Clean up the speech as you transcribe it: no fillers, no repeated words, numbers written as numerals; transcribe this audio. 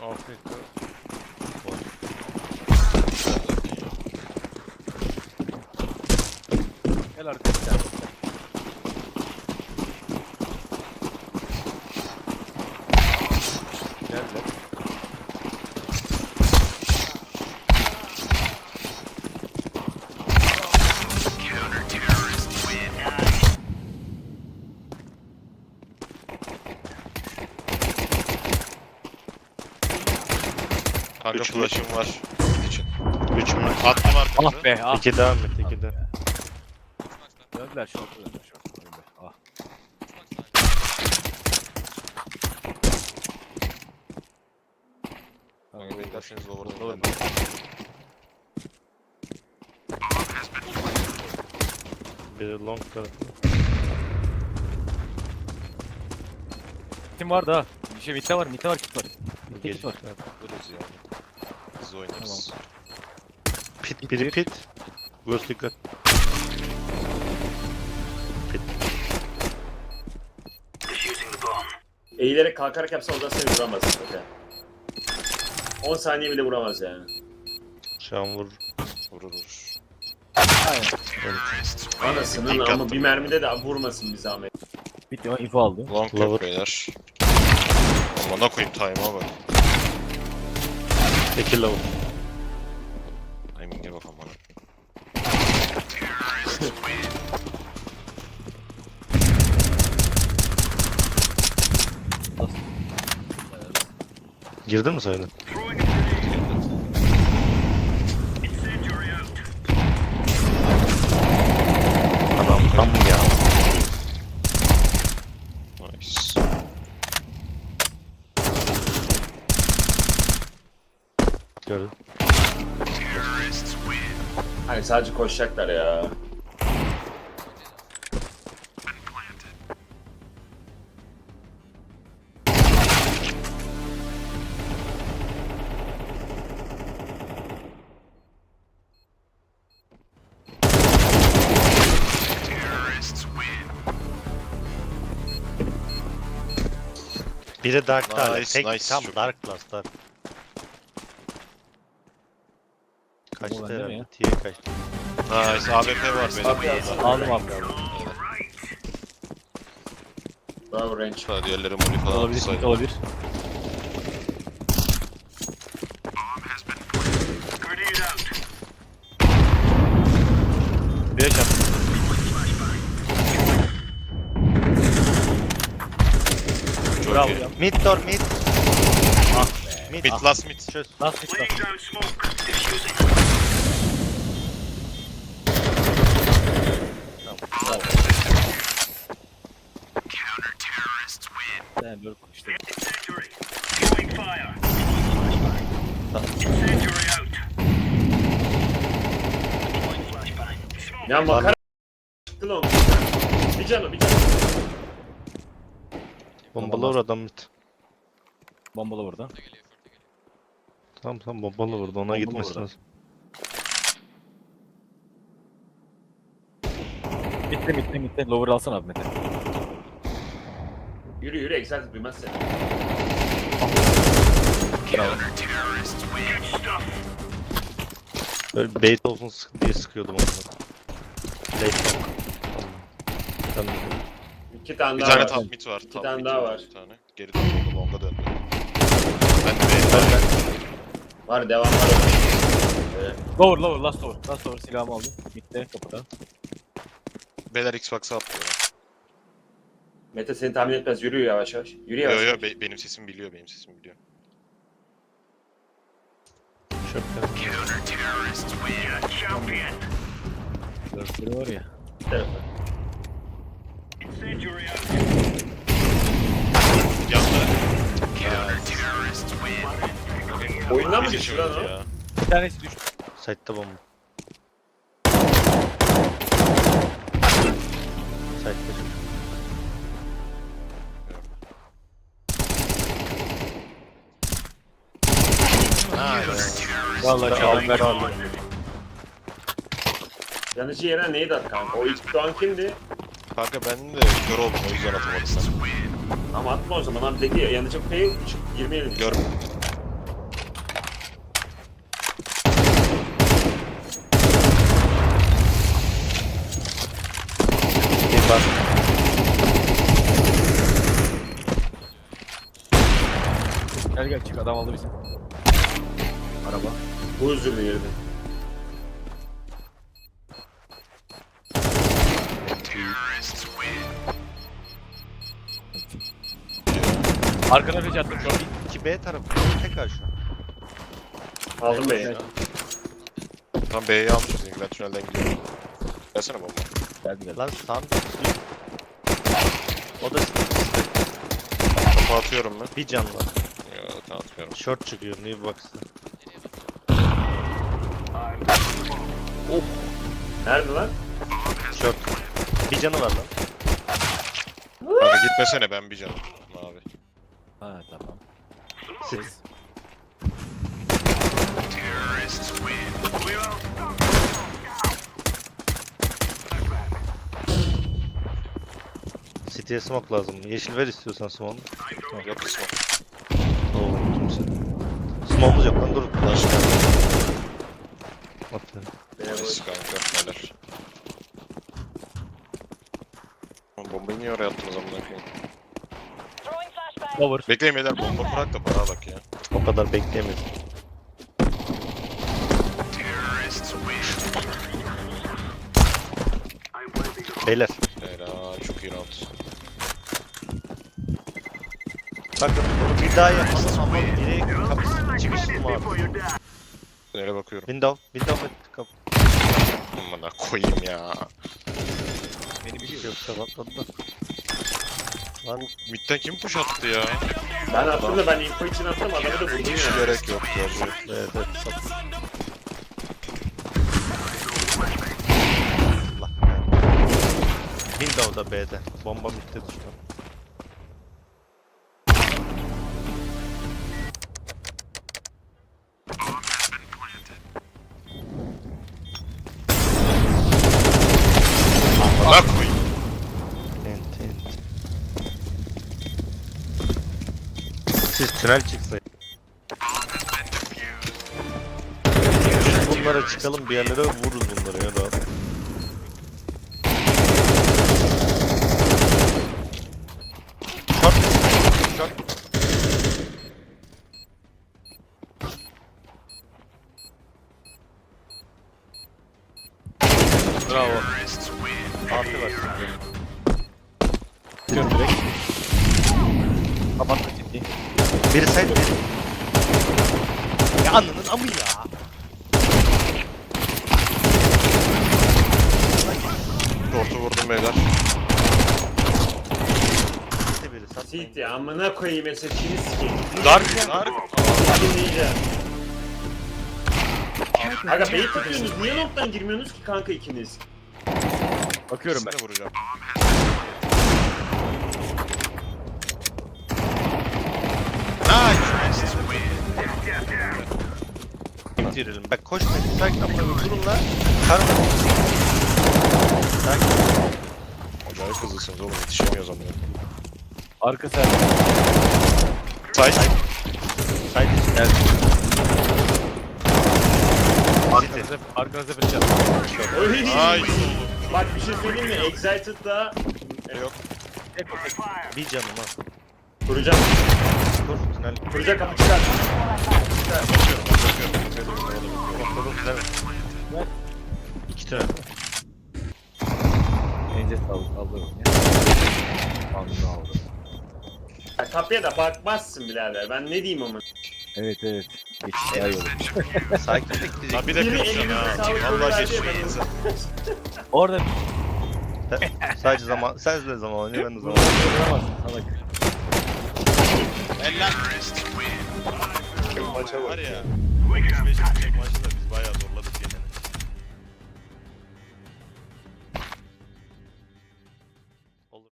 Afrika. Gel arkadaşlar. Geldiler. Kanka Üç flash'ım var. İçin. 3 mü? Attım arkamıza. Ah be ah. 2 devam et 2 de. Döndüler şortu döndüler şortu. Önde. Ah. Kanka beklerseniz over'dan Olur. geldim. Biri long tarafı. Kim vardı ha? Bir şey mitte var kit var. Mitte kit var. Buluruz yani. Biz oynarız. Pit biri pit. Göz dikkat. Pit. Eğilerek kalkarak yapsa ondan seni vuramaz zaten. 10 saniye bile vuramaz yani. Şu an vur. Vurur. Aynen. Anasının İlk ama attım. bir mermide de vurmasın bir zahmet. Bitti o info aldı. Long Lover. yok beyler. Amına koyayım time'a bak. 2 low. Timing'e bak amına. Girdin mi sayıda? Adam tam ya. Nice. Gördüm. Hani sadece koşacaklar ya. Biri dark hala. Nice, Tek nice, tam çok dark class dark. Kaçtı bende mi herhalde. ya? T'ye kaçtı. Nice. AWP var benim. Abi alsana. Aldım abi. Bravo range. Hadi diğerleri moli falan Olabilir atsaydı. olabilir. Bir yaşam. Çok Bravo iyi. ya. Mid door mid. Ah Mid. Mid last mid. Çöz. Last hit last. Tamam. Bravo. Sen böyle işte. Ya makara çıktı lan. Bir canı bir canı. Bombalı vur adam mid. Bombalı burada. Tamam tamam bombalı vurdu ona Bombalı gitmesi vurdu. lazım. Mitte. Lower alsana abi Mete. Yürü yürü exalt duymaz seni. Bravo. Böyle bait olsun diye sıkıyordum onları. Bait long. Tamam. İki tane Bir daha tane var. top mid var. İki Top tane mid daha var. Bir tane. Geri döndü. Long'a döndü. Ben de Var devam var. Lower last lower silahımı aldım. Mitte kapıda. Beyler Xbox'a atlıyor. Mete seni tahmin etmez. Yürü yavaş yavaş. Yürü Yo yavaş. yo yavaş. benim sesimi biliyor. Benim sesimi biliyor. Çöp ya. Dörtleri var ya. Bir tarafa. Yandı. Oyundan mı Bir düştü lan o? ya. Bir tanesi düştü. Site'da bomba. Site'da çocuk. Vallahi çaldım ben aldım. Yanıcı yere neydi at kanka? O ilk doğan kimdi? Kanka ben de kör oldum o yüzden atamadım ben. Ama atma o zaman abi dedi ya yanıcı pay 20 yedim. Gör. Gel çık, adam aldı bizi. Araba. Bu özürlü girdi. Arkana flash attım şu an. 2B tarafı. Tekrar şu. Aldım beni. Tam B'yi almışız. Ben tünelden gidiyorum. Gelsene bomba. Geldi. Lan sağım. O da Topu atıyorum ben. bir can var. Ya tamam atmıyorum. Short çıkıyor. New box'ta. Nerede lan? Short. Bir canı var lan. Kanka gitmesene ben bir canım. Abi. Ha tamam. Sit. City'ye smoke lazım. Yeşil ver istiyorsan smoke. Yok kısmı. Oo, kimse. Smoke'umuz yok lan dur. Başka. Atıyorum. Neyse kanka. Neler. Bombayı niye oraya attınız amına koyayım? Over. Bekleyin beyler bomba bırak da bana bak ya. O kadar bekleyemedim. Beyler. Helal çok iyi round. Bakın bunu bir daha yapalım ama biri kapısı çıkışlı mı abi? Nereye bakıyorum? Window kapı. Amına koyayım ya. Beni biliyor. Yok kapatmadı da. Lan Mid'den kim push attı ya? Ben attım da ben info için attım adamı da vurdum Hiç ya. gerek yok gerçi. evet sat. Allah. Window'da B'de. Bomba bitti düştü. Amına koyayım. Ent. Siz tünel çıksaydı. Bunlara çıkalım bir yerlere vururuz bunları ya da. Short. Short. Bravo. Altı var. Çıkıyorum direkt. Kapattım ciddi. Biri sen biri. Ya ananın amı ya. Orta vurdum beyler. İşte biri satmayın. City amına koyayım SSG'ni sikeyim. Dark. Dinleyeceğim. Aga beyi tutuyorsunuz. Niye noktadan girmiyorsunuz ki kanka ikiniz? Bakıyorum ben. İkisini de vuracağım. Bitirelim. Bak koşmayın. Sakin amına durun lan. Karma. Sakin. Acayip hızlısınız oğlum yetişemiyoruz amına. Arka sen. Say. Sakin. Gel. City. Arkanıza flash attım. Oy. Ay. Bak bir şey söyleyeyim mi? Excited'da Yok. Bir canım ha. kuracağım. Kur tünel. Kuracak kapı çıkar. Bakıyorum. Kurun tünel. İki tünel. Ence sağlık. Alırım ya. Aldım aldım. Ya kapıya da bakmazsın birader. Ben ne diyeyim ama. Evet. Geçiş daha iyi olur. Sakinlik diyecek. Lan bir de Biri kırmışsın elinize ha. sağlık Vallahi verdi, geçişmediniz. Orada Sadece zaman. Sen de zaman oynuyor ben de zaman. duramazsın salak. Eller. Maça var ya. 35 maçta biz bayağı zor.